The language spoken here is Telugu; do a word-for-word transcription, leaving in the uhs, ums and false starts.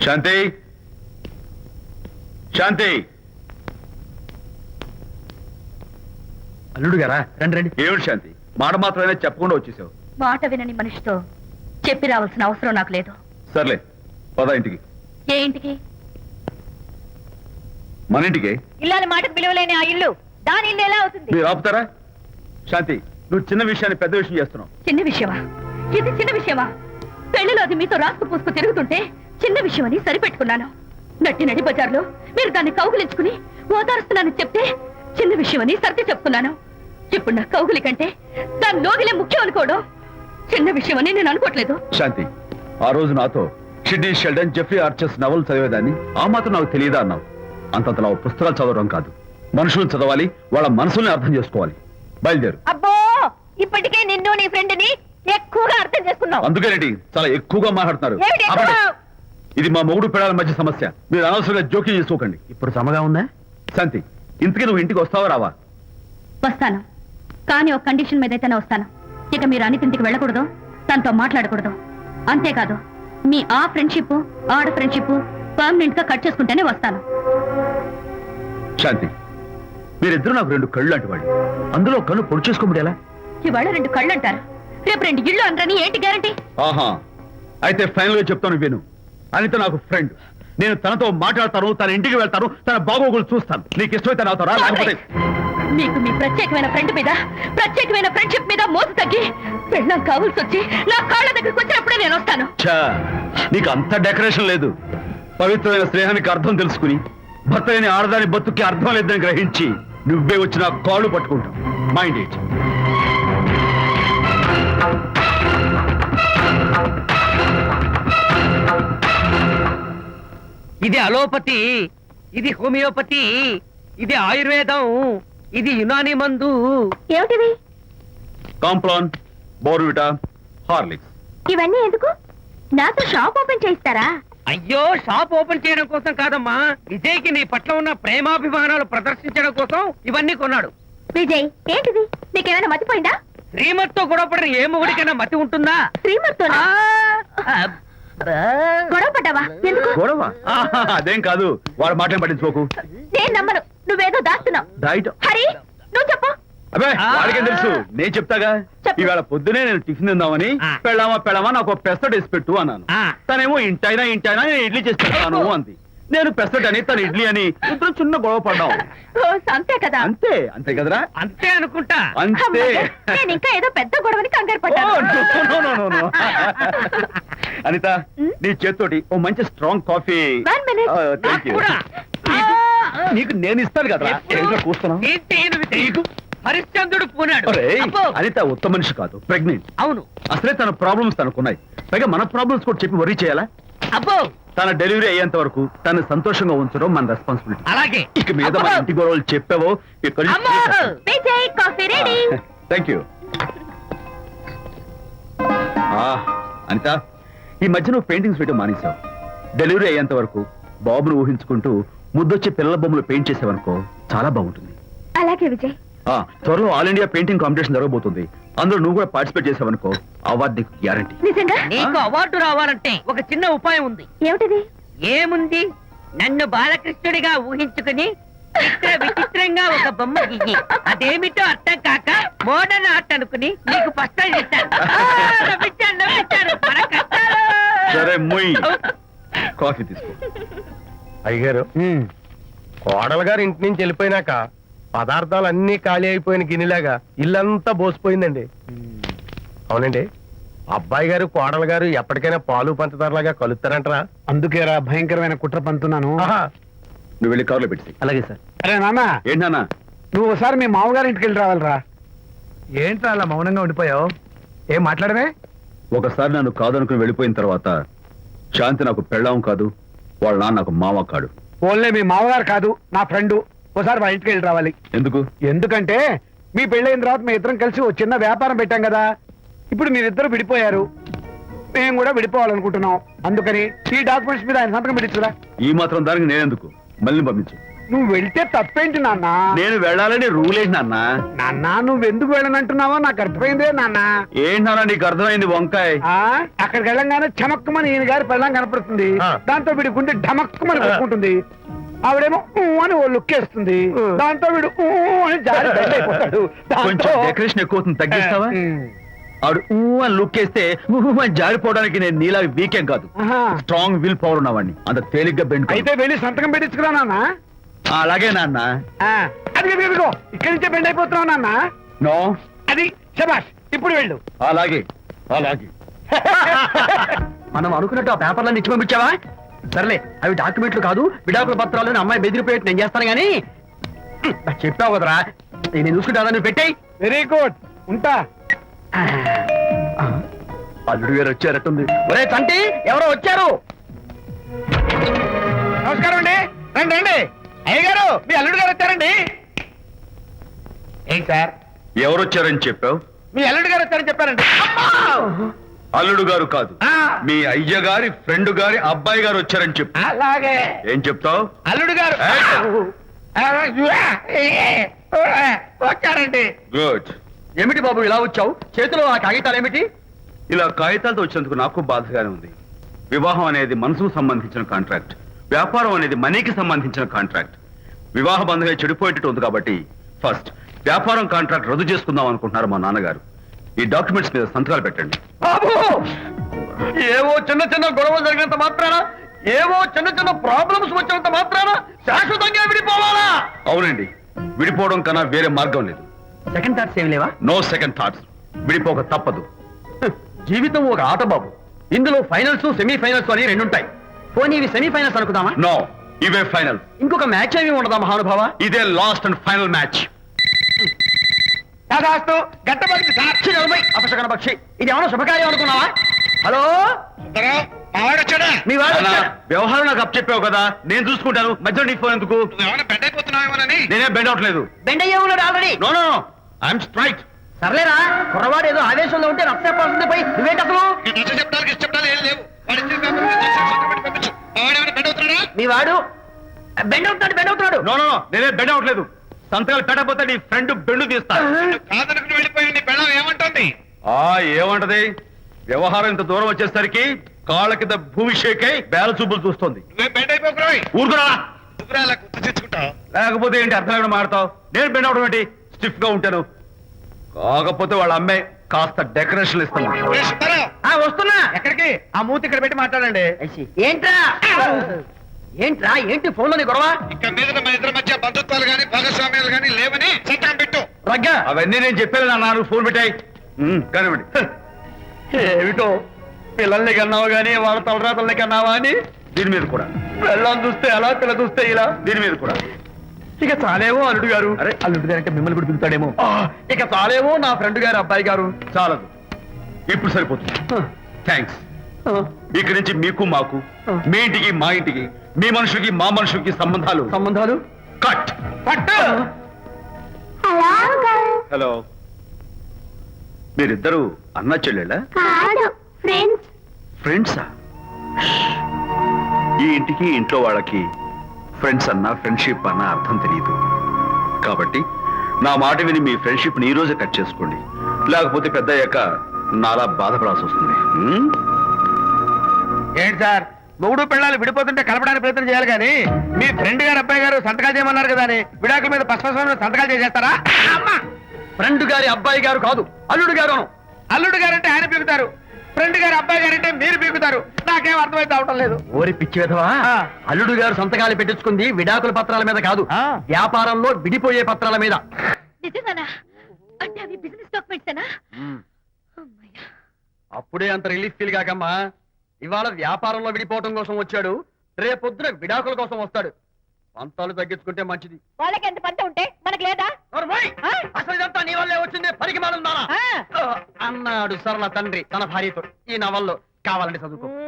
శాంతి శాంతి అల్లుడు గారా రండి రండి. ఏమిటి శాంతి, మాట మాత్రమే చెప్పకుండా వచ్చేసావు? మాట వినని మనిషితో చెప్పి రావాల్సిన అవసరం నాకు లేదు. సర్లే పద ఇంటికి. ఏ ఇంటికి? మన ఇంటికి. ఇల్లాలి మాటకు విలువలేని ఆ ఇల్లు దాని ఇల్లు ఎలా అవుతుంది? మీరు ఆపుతారా? శాంతి, నువ్వు చిన్న విషయాన్ని పెద్ద విషయం చేస్తున్నావు. చిన్న విషయమా? ఇది చిన్న విషయమా? పెళ్లిలో అది మీతో రాసుకు పూసుకు తిరుగుతుంటే చిన్న విషయమని సరిపెట్టుకున్నాను. నట్టి నడి బజార్లో మీరు దాన్ని కౌగులించుకుని ఓదారుస్తున్నానని చెప్తే చిన్న విషయమని సర్ది చెప్తున్నాను. ఇప్పుడు నా కౌగులి కంటే దాని లోగిలే ముఖ్యం అనుకోవడం చిన్న విషయమని నేను అనుకోవట్లేదు. శాంతి, ఆ రోజు నాతో షిడ్నీ షెల్డన్, జెఫ్రీ ఆర్చర్స్ నవలు చదివేదాన్ని ఆ మాత్రం నాకు తెలియదా అన్నావు. అంతంతలా పుస్తకాలు చదవడం కాదు, మనుషులను చదవాలి, వాళ్ళ మనసుల్ని అర్థం చేసుకోవాలి. బయలుదేరు. అబ్బో, ఇప్పటికే నిన్ను నీ ఫ్రెండ్ ని ఎక్కువగా అర్థం చేసుకున్నావు. అందుకేనండి చాలా ఎక్కువగా మాట్లాడుతున్నారు. ఏమిటి ఎక్కువ? ఆపండి. ఇది మా మొగుడు పిల్లల మధ్య సమస్య, మీరు అనవసరంగా జోక్యం చేసుకోకండి. ఇప్పుడు సమగా ఉందా? శాంతి, ఇంతకీ నువ్వు ఇంటికి వస్తావా రావా? వస్తాను, కానీ ఒక కండిషన్ మీద అయితేనే వస్తాను. ఇక మీరు అనిత ఇంటికి వెళ్ళకూడదు, తనతో మాట్లాడకూడదు. అంతేకాదు, మీ ఆ ఫ్రెండ్షిప్ ఆడ ఫ్రెండ్షిప్ పర్మనెంట్ గా కట్ చేసుకుంటేనే వస్తాను. శాంతి, మీరిద్దరు నాకు రెండు కళ్ళు లాంటి వాళ్ళు, అందులో కళ్ళు పొడి చేసుకోబడి ఎలా? ఇవాళ రెండు కళ్ళు అంటారు, రేపు రెండు ఇళ్ళు అంటారని ఏంటి గ్యారంటీ? ఆహా, అయితే ఫైనల్ గా చెప్తాను విను. అనిత నాకు ఫ్రెండ్, నేను తనతో మాట్లాడతాను, తన ఇంటికి వెళ్తాను, తన బాగోగులు చూస్తాను. నీకు ఇష్టమైతే నాతో రా, లేకపోతే మీకు మీ ప్రత్యేకమైన ఫ్రెండ్ మీద ప్రత్యేకమైన ఫ్రెండ్షిప్ మీద మోసు తగ్గి పెళ్ళం కావాల్సి వచ్చి నా కాళ్ళ దగ్గరికి వచ్చినప్పుడే నేను వస్తాను. ఛా, నీకు అంత డెకరేషన్ లేదు. పవిత్రమైన స్నేహానికి అర్థం తెలుసుకుని భర్త లేని ఆడదాని బతుక్కి అర్థం లేదని గ్రహించి నువ్వే వచ్చి నా కాళ్ళు పట్టుకుంటావు. Mind it. ఇది అలోపతి, ఇది హోమియోపతి, ఇది ఆయుర్వేదం, ఇది యునాని మందు. ఏమిటివి? Complan, Bournvita, Horlicks. ఇవన్నీ ఎందుకు? నాతో షాప్ ఓపెన్ చేయిస్తారా? అయ్యో, షాప్ ఓపెన్ చేయడం కోసం కాదమ్మా, విజయ్కి నీ పట్ల ఉన్న ప్రేమాభిమానాలు ప్రదర్శించడం కోసం ఇవన్నీ కొన్నాడు. విజయ్, ఏంటిది? నీకేమైనా మతిపోయిందా? శ్రీమతితో గొడవపడిన ఏ మొగుడికైనా మతి ఉంటుందా? శ్రీమతితో గొడవ పడ్డావా? ఎందుకు గొడవ? ఆహా, అదేం కాదు, వాడు మాటలు పట్టించుకోకు. నేను నమ్మను, నువ్వేదో దాస్తున్నావు. డైట్. హరి, నువ్వు చెప్పు. అబ్బే, వాడికేం తెలుసు, నేను చెప్తాగా. చెప్పు. ఈవేళ పొద్దునే నేను టిఫిన్ తిందామని ఆ. పెళ్ళామా పెళ్ళామా నాకు పెసరట్ వేసి పెట్టు అన్నాను. ఆ. తనేమో ఇంటైనా ఇంటైనా నేను ఇడ్లీ చేసి పెడతాను అంది. నేను పెసరట్ అని, తను ఇడ్లీ అని, ఇద్దరు చిన్న గొడవ పడ్డాం. ఓ, అంతే కదా? అంతే అంతే కదరా? అంతే అనుకుంటా. అంతే. అమ్మయ్య, నేను ఇంకా ఏదో పెద్ద గొడవని కంగారు ఓ, పడ్డాను. no, no, no, no, no. Anitha, నీ చేత్తోటి ఓ మంచి స్ట్రాంగ్ కాఫీ. One minute. థ్యాంక్ యూ. కూడా. నీకు నేను ఇస్తాను కదా. ఏంటో కూస్తున్నావు? ఏం చేయను విజయ్. హరిశ్చంద్రుడు పూనాడు. అబ్బో. అనిత ఉత్తమ మనిషి కాదు, ప్రెగ్నెంట్. అవును. అసలే తన ప్రాబ్లమ్స్ తనకున్నాయి, పైగా మన ప్రాబ్లమ్స్ కూడా చెప్పి వరీ చేయాలా? అబ్బో, తన డెలివరీ అయ్యేంత వరకు తను సంతోషంగా ఉంచడం మన రెస్పాన్సిబిలిటీ. అలాగే. ఇక మీద మన అబ్బో. ఇంటి గొడవలు చెప్పావో ఇక్కడ అమ్మో. Vijay, coffee ready. Thank you. Anitha, ఈ మధ్య నువ్వు పెయింటింగ్స్ వేయడం మానేశావు. డెలివరీ అయ్యేంత వరకు బాబును ఊహించుకుంటూ ముద్దొచ్చి పిల్లల బొమ్మలు పెయింట్ చేసావనుకో చాలా బాగుంటుంది. అలాగే విజయ్. ఆ, త్వరలో ఆల్ ఇండియా పెయింటింగ్ కాంపిటీషన్ జరగబోతుంది. అందులో నువ్వు కూడా పార్టిసిపేట్ చేసావనుకో అవార్డు నీకు గ్యారంటీ. నిజంగా? నీకు అవార్డు రావాలంటే ఒక చిన్న ఉపాయం ఉంది. ఏమిటిది? ఏముంది, నన్ను బాలకృష్ణుడిగా ఊహించుకుని చిత్ర విచిత్రంగా ఒక బొమ్మ గీయి, అదేమిటో అర్థం కాక మోడర్న్ ఆర్ట్ అనుకుని నీకు ఫస్ట్ ఇస్తాను. నవ్వించాను, నవ్వించాను. మన కష్టాలు. సరే మొయ్, కాఫీ తీసుకో. అయ్యగారు, కోడలు గారు ఇంటి నుంచి వెళ్ళిపోయినాక పదార్థాలు అన్ని ఖాళీ అయిపోయిన గిన్నెలాగా ఇల్లంతా బోసిపోయిందండి. అవునండి, అబ్బాయి గారు కోడలు గారు ఎప్పటికైనా పాలు పంచదారలాగా కలుస్తారంటరా? అందుకేరా భయంకరమైన కుట్ర పంతున్నాను. నువ్వు వెళ్ళి కారులో పెట్టి. అలాగే సార్. అరే నాన్న, ఏంటన్నా? నువ్వు ఒకసారి మీ మామగారి ఇంటికి వెళ్ళి రావాలిరా. ఏంట్రా అలా మౌనంగా ఉండిపోయావు? ఏం మాట్లాడమే? ఒకసారి నన్ను కాదనుకుని వెళ్ళిపోయిన తర్వాత శాంతి నాకు పెళ్ళాం కాదు, వాళ్ళ నాన్న నాకు మామ కాడు. ఓన్లే మీ మామగారు కాదు, నా ఫ్రెండ్. ఒకసారి మా ఇంటికి వెళ్ళి రావాలి. ఎందుకు? ఎందుకంటే మీ పెళ్ళైన తర్వాత మీ ఇద్దరం కలిసి ఓ చిన్న వ్యాపారం పెట్టాం కదా. ఇప్పుడు మీరిద్దరు విడిపోయారు, మేము కూడా విడిపోవాలనుకుంటున్నాం. అందుకని ఈ డాక్యుమెంట్స్ మీద ఆయన సంతకం పెట్టించురా. ఈ మాత్రం దానికి నేనెందుకు? మళ్ళీ పంపించు. నువ్వు వెళ్తే తప్పేంటి నాన్న నేను వెళ్ళాలని రూల్ ఏంటి నాన్న? నాన్న నువ్వు ఎందుకు వెళ్ళనంటున్నావో నాకు అర్థమైందే నాన్న ఏంటి నాన్న నీకు అర్థమైంది వంకాయ్? ఆ అక్కడికి వెళ్ళంగానే చమక్కుమని ఈయన గారి పెళ్ళం కనపడుతుంది. ఆ. దాంతో వీడి గుండె ఢమక్కుమని కొట్టుకుంటుంది. ఆవిడేమో ఊ అని ఓ లుక్ వేస్తుంది. దాంతో వీడు ఊ అని జారి బెడ్ అయిపోతాడు. కొంచెం దాంతో డెకరేషన్ ఎక్కువ అవుతుంది, తగ్గిస్తావా? ఉమ్. ఆవిడ ఊ అని లుక్ వేస్తే ఊ అని జారిపోవడానికి నేను నీలా వీకెం కాదు, ఆహా. స్ట్రాంగ్ విల్ పవర్ ఉన్నవాడిని. అంత తేలిగ్గా బెండ్ అయితే వెళ్ళి సంతకం పెట్టించుకురా నాన్న. అలాగే నాన్న. ఆ, అది ఇదిగో ఇక్కడి నుంచే బెండ్ అయిపోతున్నావు నాన్న. నో, అది శబాష్, ఇప్పుడు వెళ్ళు. అలాగే అలాగే. మనం అనుకున్నట్టు ఆ పేపర్లను ఇచ్చి పంపించావా? సర్లే, అవి డాక్యుమెంట్లు కాదు, విడాకుల పత్రాలు. అమ్మాయి బెదిరిపోయేట్టు నేను చేస్తాను గానీ నాకు చెప్పావు కదరా, నేను చూసుకుంటా. నువ్వు పెట్టాయి. వెరీ గుడ్, ఉంటా. అల్లుడు గారు వచ్చారట్టుంది. ఒరే తంటి, ఎవరో వచ్చారు. నమస్కారం అండి. రండి రండి. అయ్య గారు, మీ అల్లుడు గారు వచ్చారండి. ఏంటి సార్, ఎవరు వచ్చారని చెప్పావు? మీ అల్లుడు గారు వచ్చారని చెప్పారండి. అల్లుడు గారు కాదు, ఆ. మీ అయ్య గారి ఫ్రెండ్ గారి అబ్బాయి గారు వచ్చారని చెప్పు. అలాగే ఏం చెప్తావు? అల్లుడు గారు వచ్చారండి. గుడ్. ఏమిటి బాబు ఇలా వచ్చావు? చేతిలో ఆ కాగితాలు ఏమిటి? ఇలా కాగితాలతో వచ్చినందుకు నాకు బాధగానే ఉంది. వివాహం అనేది మనసుకు సంబంధించిన కాంట్రాక్ట్, వ్యాపారం అనేది మనీకి సంబంధించిన కాంట్రాక్ట్. వివాహ బంధంగా చెడిపోయేటట్టు ఉంది కాబట్టి ఫస్ట్ వ్యాపారం కాంట్రాక్ట్ రద్దు చేసుకుందాం అనుకుంటున్నారు మా నాన్నగారు. ఈ డాక్యుమెంట్స్ మీద సంతకాలు పెట్టండి. బాబు, ఏవో చిన్న చిన్న గొడవలు జరిగినంత మాత్రాన, ఏవో చిన్న చిన్న ప్రాబ్లమ్స్ వచ్చినంత మాత్రాన శాశ్వతంగా విడిపోవాలా? అవునండి, విడిపోవడం కన్నా వేరే మార్గం లేదు. సెకండ్ థాట్స్ ఏం లేవా? No second thoughts. విడిపోక తప్పదు. జీవితం ఒక ఆట బాబు, ఇందులో ఫైనల్స్ సెమీ ఫైనల్స్ అని రెండు ఉంటాయి. పోనీ ఇవి సెమీ ఫైనల్స్ అనుకుందామా? నో, ఇవే ఫైనల్. ఇంకొక మ్యాచ్ ఏమి ఉండదా మహానుభావ? ఇదే లాస్ట్ అండ్ ఫైనల్ మ్యాచ్. దాదాస్తు గట్టబడింది సార్. అపశకన పక్షి, ఇది ఏమైనా శుభకార్యం అనుకున్నావా? హలో, వచ్చాడా? మీ వాడు అన్నా, వచ్చాడు. వ్యవహారం నాకు అప్ చెప్పావు కదా, నేను చూసుకుంటాను. మధ్యలో నీ ఫోన్ ఎందుకు? ఏమైనా బెడ్ అయిపోతున్నావేమోనని. నేనే బెండ్ అవట్లేదు. బెండ్ అయ్యే ఉన్నాడు already. No no no, I'm straight. సర్లేరా, కుర్రవాడు ఏదో ఆవేశంలో ఉంటే రక్త చెప్పాల్సింది పోయి నువ్వేంటి అసలు? చెప్పడానికి ఇష్టపడాలి ఏం లేవు. వాడు ఇచ్చిన పేపర్ మీద చేసి సంతకం పెట్టి పంపించు. వాడేమైనా బెడ్ అవుతున్నాడా? మీ వాడు బెండ్ అవుతున్నాడు, బెండ్ అవుతున్నాడు. నో నో నో, నేనే బెండ్ అవట్లేదు. సంతకాలు పెట్టకపోతే నీ ఫ్రెండ్ బెండు తీస్తా. కాదనుకుని వెళ్ళిపోయి నీ పెళ్ళం ఏమంటుంది? ఆ ఏమంటది? వ్యవహారం ఇంత దూరం వచ్చేసరికి కాళ్ళ కింద భూమి షేకై బేల చూపులు చూస్తుంది. నువ్వే బెడ్ అయిపోకురాయి. ఊరుకురా. నువ్వురా అలా గుర్తు తెచ్చుకుంటావు. లేకపోతే ఏంటి అర్థం లేకుండా మాడతావు? నేను బెండ్ అవడం ఏంటి? స్టిఫ్ గా ఉంటాను. కాకపోతే వాళ్ళ అమ్మాయి కాస్త డెకరేషన్ ఇస్తాను. ఏ సుబ్బారావు, ఆ, వస్తున్నా. ఎక్కడికి? ఆ మూతి ఇక్కడ పెట్టి మాట్లాడండి. ఏంట్రా ఏంట్రా ఏంటి ఫోన్ లోని గొడవ? ఇక మీద మన ఇద్దరి మధ్య బంధుత్వాలు గాని భాగస్వామ్యాలు గాని లేవని సంతకం పెట్టు. రగ్గా, అవన్నీ నేను చెప్పాను నాన్న, ఫోన్ పెట్టాయి కానివ్వండి. ఏమిటో పిల్లల్ని కన్నావు గానీ వాళ్ళ తలరాతల్ని కన్నావా అని. దీని మీద కూడా, పిల్లల్ని చూస్తే అలా, పిల్ల చూస్తే ఇలా. దీని మీద కూడా. ఇక చాలేమో అల్లుడు గారు. అరే, అల్లుడు గారు అంటే మిమ్మల్ని కూడా పిలుతాడేమో. ఆ, ఇక చాలేమో నా ఫ్రెండ్ గారు అబ్బాయి గారు. చాలదు, ఇప్పుడు సరిపోతుంది. థ్యాంక్స్. ఇక్కడి నుంచి మీకు మాకు, మీ ఇంటికి మా ఇంటికి, మీ మనుషులకి మా మనుషులకి సంబంధాలు సంబంధాలు కట్. పట్టు. హలో, మీరిద్దరు అన్నా చెల్లెళ్ళా? కాదు, ఫ్రెండ్స్. ఫ్రెండ్సా? ఈ ఇంటికి ఇంట్లో వాళ్ళకి ఫ్రెండ్స్ అన్నా ఫ్రెండ్షిప్ అన్నా అర్థం తెలియదు. కాబట్టి నా మాట విని మీ ఫ్రెండ్షిప్ ని ఈ రోజే కట్ చేసుకోండి, లేకపోతే పెద్ద అయ్యాక నాలా బాధపడాల్సి వస్తుంది. హ్మ్? ఏంటి సార్, మొగుడు పిల్లలు విడిపోతుంటే కలపడానికి ప్రయత్నం చేయాలి కానీ మీ ఫ్రెండ్ గారు అబ్బాయి గారు సంతకాలు చేయమన్నారు కదా అని విడాకుల మీద పశ్చిమ సంతకాలు చేసేస్తారా? అమ్మా, ఫ్రెండ్ గారి అబ్బాయి గారు కాదు, అల్లుడు గారు. అల్లుడు గారంటే ఆయన పీకుతారు, ఫ్రెండ్ గారు అబ్బాయి గారంటే మీరు పీకుతారు. నాకేం అర్థమైతే అవటం లేదు. ఓరి పిచ్చి విధవా, ఆ. అల్లుడు గారు సంతకాలు పెట్టించుకుంది విడాకుల పత్రాల మీద కాదు, ఆ. వ్యాపారంలో విడిపోయే పత్రాల మీద. నిజంగానా? అంటే అవి బిజినెస్ డాక్యుమెంట్సేనా? అమ్మయ్యా. అప్పుడే అంత రిలీఫ్ ఫీల్ కాకమ్మా. ఇవాళ వ్యాపారంలో విడిపోవటం కోసం వచ్చాడు, రేపొద్దున విడాకుల కోసం వస్తాడు. పంతాలు తగ్గించుకుంటే మంచిది. వాళ్ళకి ఎంత పంట ఉంటే మనకి లేదా? నోర్మోయ్! ఆ? అసలు ఇదంతా నీ వల్లే వచ్చింది, పరికి మాలుందానా ఆ. అన్నాడు సరళ తండ్రి తన భార్యతో. ఈ నవల్లో కావాలంటే చదువుకో.